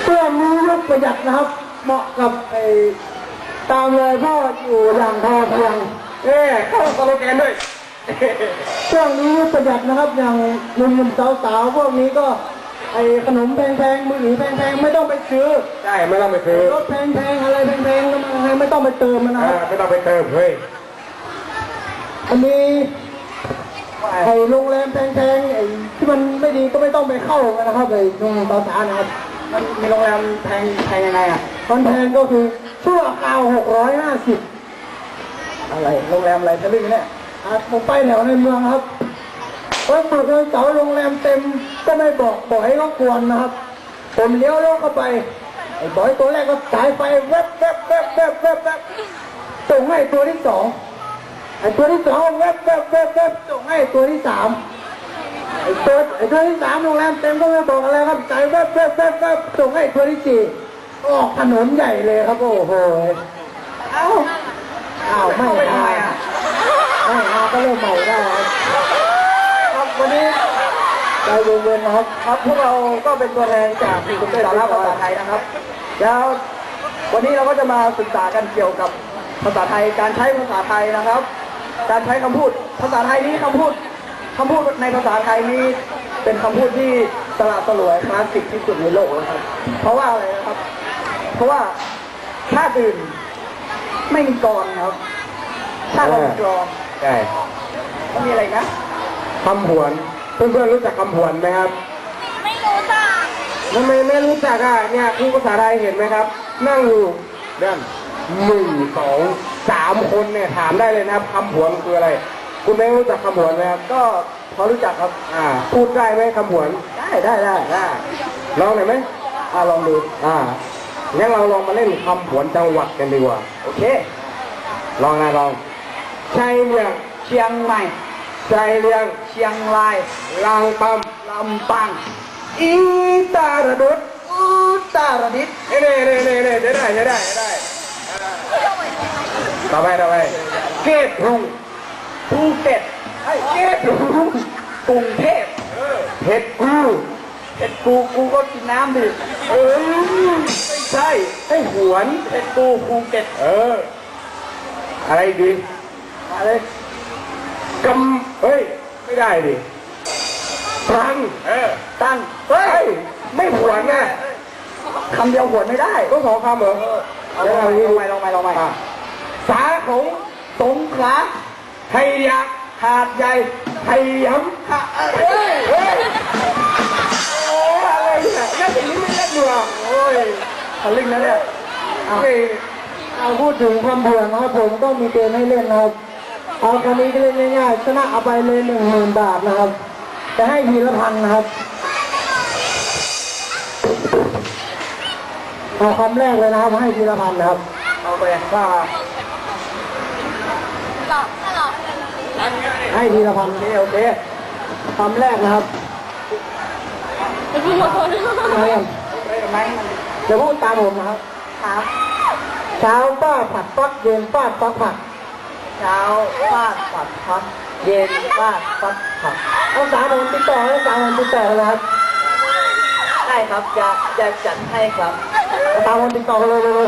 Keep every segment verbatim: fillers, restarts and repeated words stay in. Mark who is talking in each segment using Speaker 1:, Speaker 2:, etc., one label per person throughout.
Speaker 1: เพื่อมียุคประหยัดนะครับเหมาะกับไอ้ตามเลยพ่ออยู่อย่างพอเพียง
Speaker 2: เอ๊เข้าสโลแกนด้วย
Speaker 1: ช่วงนี้ประหยัดนะครับอย่างหนุ่มๆสาวๆพวกนี้ก็ไอ้ขนมแพงๆมือถือแพงๆไม่ต้องไปซื้อ
Speaker 2: ใช่ไม่ต้องไปซื้อ
Speaker 1: รถแพงๆอะไรแพงๆก็ไม่ต้องไปเติมมันนะครับ
Speaker 2: ไม่ต้องไปเติมเฮ้ย
Speaker 1: อันนี้ไอ้โรงแรมแพงๆไอ้ที่มันไม่ดีก็ไม่ต้องไปเข้ากันนะครับไอ้โรงแรมสาวๆนะครับ
Speaker 2: มันมีโรงแรมแพงแพงยังไงอ่ะ
Speaker 1: มันแพงก็คือชั่วคราวหกร้อยห้าสิบ
Speaker 2: อะไรโรงแรมอะไรทะลึ่งเนี่ย
Speaker 1: ผมไปแถวในเมืองครับวันศุกร์เสาร์โรงแรมเต็มก็ไม่บอกบอกให้เขากวนนะครับผมเลี้ยวรถเข้าไปไอ้บอยตัวแรกก็สายไฟแวบแวบแวบแวบแวบแวบส่งให้ตัวที่สองไอ้ตัวที่สองแวบแวบแวบแวบส่งให้ตัวที่สามไอ้ตัวไอ้ตัวที่สามโรงแรมเต็มก็ไม่บอกอะไรครับสายแวบแวบแวบแวบส่งให้ตัวที่สี่ออกถนนใหญ่เลยครับโอ้โหเอ้าเอ้าไม่ทำไมอ่ะไม่เอาก็เริ่มใหม่ได้ครับวันนี้ใจเย็นๆนะครับครับพวกเราก็เป็นตัวแทนจากกลุ่มสาระภาษาไทยนะครับแล้ววันนี้เราก็จะมาศึกษากันเกี่ยวกับภาษาไทยการใช้ภาษาไทยนะครับการใช้คำพูดภาษาไทยนี้คำพูดคำพูดในภาษาไทยนี้เป็นคำพูดที่สละสลวยคลาสสิกที่สุดในโลกนะครับเพราะว่าอะไรนะครับเพราะว่าชาติอื่นไม่มีกรครับชาติเรามีกร
Speaker 2: ใช่
Speaker 1: มันมีอะไรนะ
Speaker 2: คำผวนเพื่อนๆรู้จักคำผวนไหมครับ
Speaker 3: ไม่รู้จัก
Speaker 2: ทำไมไม่รู้จักอ่ะเนี่ยครูภาษาไทยเห็นไหมครับนั่งอยู่เรื่องหนึ่งสองสามคนเนี่ยถามได้เลยนะครับคำผวนคืออะไรคุณไม่รู้จักคำผวนไหมครับ
Speaker 1: ก็พอรู้จักครับ
Speaker 2: อ่าพูดได้ไหมคำผวน
Speaker 1: ได้ได้ได้ได้
Speaker 2: ลองหน่อยไหม
Speaker 1: อ่าลองดู
Speaker 2: อ่างั้นเราลองมาเล่นคำผวนจังหวัดกันดีกว่า
Speaker 1: โอเค
Speaker 2: ลองนะลองชัยเมือง
Speaker 1: เชียงใหม่
Speaker 2: ใจเรียง
Speaker 1: เชียงราย
Speaker 2: ลางปั๊ม
Speaker 1: ลำปาง
Speaker 2: อีตาระดุด
Speaker 1: อุตรดิตถ์
Speaker 2: เน่เน่เน่เน่ได้ได้ได้ได้ได้ต่อไปต่อไปเกตรุง
Speaker 1: ภูเก็ต
Speaker 2: ไอ้เกตรุง
Speaker 1: กรุงเทพ
Speaker 2: เผ็ดกู
Speaker 1: เผ็ดกูกูก็กินน้ำดิ
Speaker 2: เออไม่ใช่ไอ้หวน
Speaker 1: เผ็ดกูภูเก็ต
Speaker 2: เอออะไรดี
Speaker 1: อะไร
Speaker 2: กำเฮ้ยไม่ได้ดิตังเออ
Speaker 1: ตัง
Speaker 2: เฮ้ยไม่หวนไง
Speaker 1: คำเดียวหวนไม่ได้
Speaker 2: ก็สองคำเหรอ
Speaker 1: ลองไปลองไปลองไปลองไป
Speaker 2: สาของ
Speaker 1: สงขลา
Speaker 2: ไทยยักษ์
Speaker 1: หาดใหญ่
Speaker 2: ไทยย้ำเฮ้ยเฮ้ยโอ้อะไรเนี่ยน่าจะลิ้นไม่เล่นอยู่อ่ะ
Speaker 1: โอ้ยทะลึ่งนะเนี่ยเอาพูดถึงคำเผื่อนะครับผมก็มีเกมให้เล่นนะครับเอาคำนี้ก็เล่นง่ายๆชนะเอาไปเลยหนึ่งหมื่นบาทนะครับจะให้ทีละพันนะครับเอาคำแรกเลยนะครับให้ทีละพันนะครับ
Speaker 2: เอาไปว่า
Speaker 1: ให้ทีละพันโอเคโอเคคำแรกนะครับจะพูดตามผมนะครับ
Speaker 3: ครับ
Speaker 1: เช้าป้าผัดฟักเย็นป้าฟักผัด
Speaker 3: เช้าฟาดผัดพักเย็นฟาดฟัดผัด
Speaker 1: เอาสามวันติดต่อเอาสามวันติดต่อนะครับ
Speaker 3: ได้ครับจะจะจัดให้ครับ
Speaker 1: เอาสามวันติดต่อเลยเลย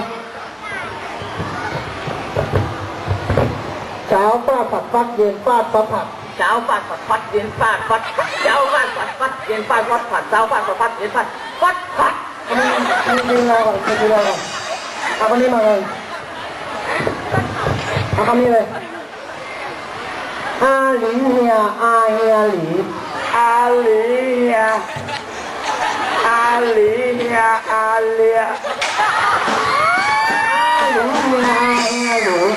Speaker 1: เช้าป้าผัดฟักเย็นป้าฟักผัด
Speaker 3: เช้าฟาดผัดฟัดเย็นฟาดฟัดเช้าฟาดผัดฟัดเย็นฟาดฟัดผัดเช้าฟาดผัดฟัดเย็นฟาดฟัดผัด
Speaker 1: มีมีมีอะไรก่อนมีอะไรก่อนเอาคนนี้มาเลยเอาคำนี้เลยอาหลีเฮียอาเฮียหลี
Speaker 2: อาหลีเฮียอาหลีเฮียอาเลีย
Speaker 1: อาหลีเฮียอาเฮียหลี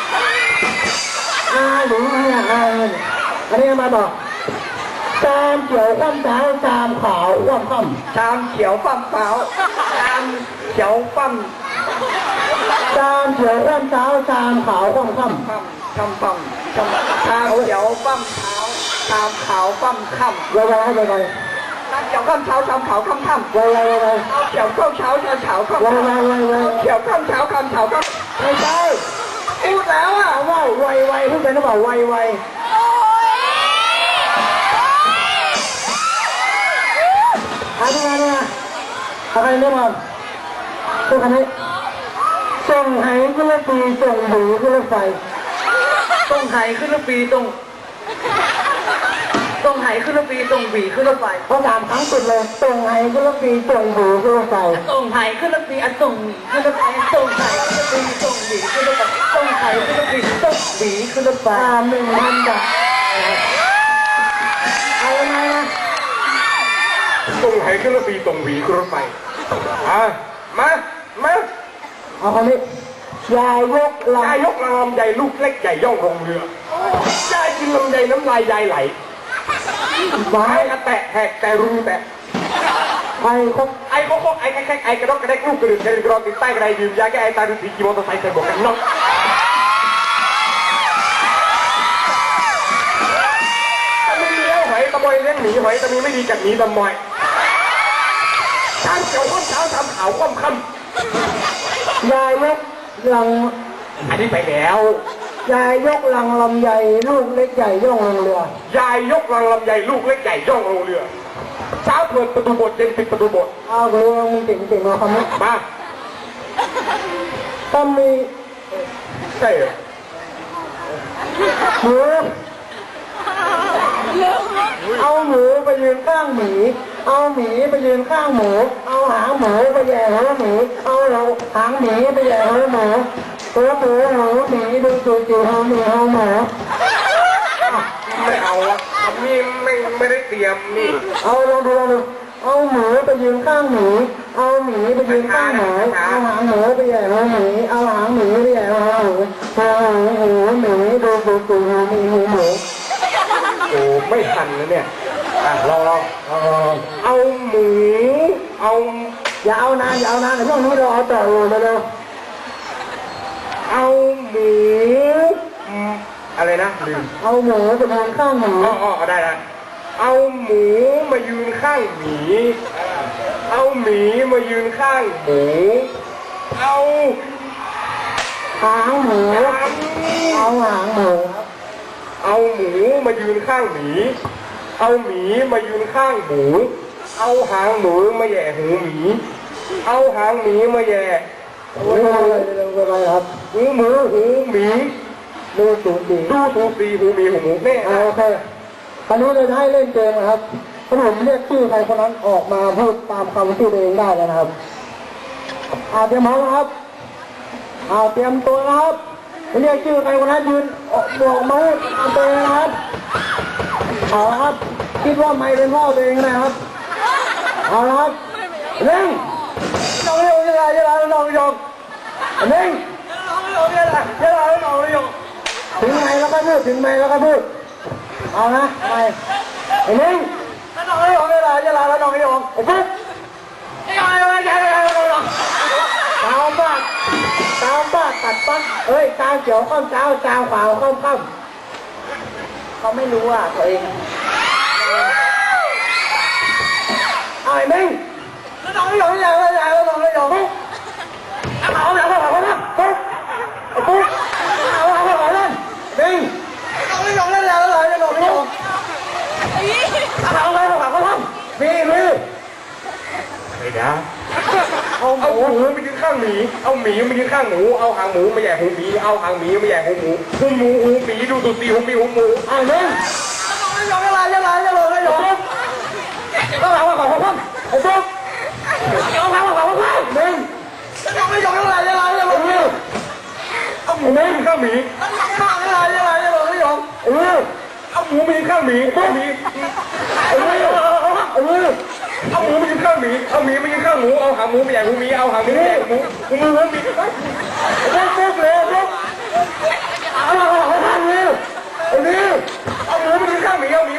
Speaker 1: อาหลีเฮียอาเฮียอันนี้มาบอกชามเขียวข้ามเท้าชามขาวข้ามข้าม
Speaker 2: ชามเขียวปั้มเท้าชามเขียวปั้ม
Speaker 1: ชามเขียวข้ามเท้าชามขาวข้ามข้าม
Speaker 2: คำปั้มคำชามเขียวปั้มเท้าชามขาวปั้มค่ำ
Speaker 1: ไวไวให้ไวไว
Speaker 2: ชามเขียวข้ามเท้าชามขาวค่ำค่ำ
Speaker 1: ไวไวไวไว
Speaker 2: เขียวข้ามเท้าชามขาวค่ำ
Speaker 1: ไวไวไวไว
Speaker 2: เขียวข้ามเท้าข้ามเท้าค่ำ
Speaker 1: ไม่ใช่พูดแล้วอ่ะว่าไวไวพูดไปแล้วบอกไวไวอะไรนะอะไรเนี่ยมันพวกอันนี้ส่งไหขึ้นรถปีส่งหมูขึ้นรถไฟ
Speaker 3: ตรงไหขึ้นรถปีตรงตรงไหขึ้นรถปีตรงหวีขึ้นรถไฟ
Speaker 1: เขาถามครั้งสุดเลยส่งไหขึ้นรถปีส่งหมูขึ้นรถไฟ
Speaker 3: ตรงไหขึ้นรถปีอันตรงหวีขึ้นรถไฟตรงไหขึ้นรถปีตรงหวีขึ้นรถไฟตรงไหขึ้นรถปีตรงหวีขึ้นรถไฟ
Speaker 1: ตามหนึ่งพันบาทเอายังไงนะ
Speaker 2: ตรงไหขึ้นรถปีตรงหวีขึ้นรถไฟอ่ะมามา
Speaker 1: เอาคนนี้ยายยกล
Speaker 2: ยายยกลำไยลูกเล็กใหญ่ย่องลงเรือยายกินลำไยน้ำลายยายไหล
Speaker 1: ำไม้
Speaker 2: ไม้กระแตะแหกแต่รูแตะ
Speaker 1: ไอ้ครบ
Speaker 2: ไอ้โคโคไอ้แค่ไอ้กระดกกระเดกลูกกระดึ๊ดกระดึ๊ดกระดกติดใต้กระไดยืมยาแก้ไอ้ตาดูสีกีมอเตอร์ไซค์ใส่บวกกันน็อกถ้าไม่ดีเลี้ยงหอยตะบอยเลี้ยงหมีหอยจะมีไม่ดีกัดหมีตะมอยช้างเขียวข้อมเช้าทำขาวข้อมค่
Speaker 1: ยายยกลัง
Speaker 2: ำอันนี้ไปแล้ว
Speaker 1: ยายยกลังลำใหญ่ลูกเล็กใหญ่ย่องลงเรือย
Speaker 2: ายยกลังลำไยลูกเล็กใหญ่ย่องลงเรือเช้าเปิดประตูโบสถ์เย็นปิดประตูโบสถ์
Speaker 1: เอาเรือมึงเก่งเก่งมาคำนี้
Speaker 2: มา
Speaker 1: ต้องมี
Speaker 2: ใช่เหรอ
Speaker 1: หมูเอาหมูไปยืนข้างหมีเอาหมีไปยืนข้างหมูเอาหางหมูไปแย่หัวหมีเอาหางหมีไปแย่หัวหมูตัวหมูหัวหมีดูจูจีหัวหมีหัวหมู
Speaker 2: ไม่เอาละนี่ไม่ไม่ได้เตรียมนี่
Speaker 1: เอาลองดูลองดูเอาหมูไปยืนข้างหมีเอาหมีไปยืนข้างหมูเอาหางหมูไปแย่หัวหมีเอาหางหมีไปแย่หัวหมูหัวหมูหมีดูจูจีหัวหมีหัวหมู
Speaker 2: โอ้ไม่ทันแล้วเนี่ยอ่ะลองลองเอาหมูเอา
Speaker 1: อย่าเอานานอย่าเอานานในช่วงนี้เราเอาต่อเลยเร็ว
Speaker 2: เอาหมูอืมอะไรนะลืม
Speaker 1: เอาหมูไปยืนข้างหมู
Speaker 2: อ๋ออ๋อได้ละเอาหมูมายืนข้างหมีเอาหมีมายืนข้างหมูเอา
Speaker 1: หางหมูเอาหางหมู
Speaker 2: เอาหมูมายืนข้างหมีเอาหมีมายืนข้างหมูเอาหางหมูมาแย่หูหมีเอาหางหมีมาแย่
Speaker 1: โอ้ยอะไรเร็วไปครับ
Speaker 2: หูหมูหูหมี
Speaker 1: ดูสูงดี
Speaker 2: ดูถูกสีหูหมีหูหมูแน่
Speaker 1: โอเคคราวนี้เราจะให้เล่นเกมนะครับถ้าผมเรียกชื่อใครคนนั้นออกมาพูดตามคำชื่อตัวเองได้แล้วนะครับอาเตรียมพร้อมนะครับอาเตรียมตัวนะครับเรียกชื่อใครคนนั้นยืนบอกมาพูดตามตัวเองนะครับเอาละครับคิดว่าไม่เป็นพ่อตัวเองนะครับเอาละครับเร่งน้องเร็วยังไงยังไงน้องยงเร่งน้องเร็วยังไงยังไงน้องยงถึงไหนแล้วก็พูดถึงไหนแล้วก็พูดเอานะไปไอ้เร่งน้องยงยังไงยังไงแล้วน้องยงไอ้ปุ๊บยังไงยังไงยังไงน้องยงตามบ้านตามบ้านตัดปั๊บเอ้ยตาเขียวข้ามเช้าตาขวาวข้ามค่ำเขาไม่รู้อ่ะตัวเองเอาไอ้เร่งน้องยงยังไงยังไงน้องยงเอาแล้วเอาแล้วเอาแล้วปุ๊บปุ๊บเอาแล้วเอาแล้วเร่งน้องยงเล่นแล้วเลยน้องยงเอาแล้วเอาแล้วเอาแล้วมีมี
Speaker 2: ไอ้เดี๋ยวเอาหมูมายืนข้างหมีเอาหมีมายืนข้างหมูเอาหางหมูมาแย่หูหมีเอาหางหมีมาแย่หูหมูหูหมูหูหมีดูถูกสีหูหมีหูหมู
Speaker 1: อ่าเร่งน้องยงยังไงยังไงยังไงน้องยงเอาแล้วเอาแล้วเอาแล้วไอ้ปุ๊บเอาแล้วเอาแล้วเอาแล้วเร่งน้องยงยังไงยังไงยังไง
Speaker 2: เอาหมูมายืนข้างหมี
Speaker 1: ยังไงยังไงยังไงน้องยงเออ
Speaker 2: เอาหมูมายืนข้างหมีเอาหมี
Speaker 1: เออเออ
Speaker 2: เอาหมูมายืนข้างหมีเอาหมีมายืนข้างหมูเอาหางหมูมาแย่หูหมีเอาหางหมูมาแย่หูหมูหูหมูหูหมี
Speaker 1: ปุ๊บปุ๊บเลยปุ๊บเอาแล้วเอาแล้วเร็วเร็ว
Speaker 2: เอาหมูมายืนข้างหมีเอาหมี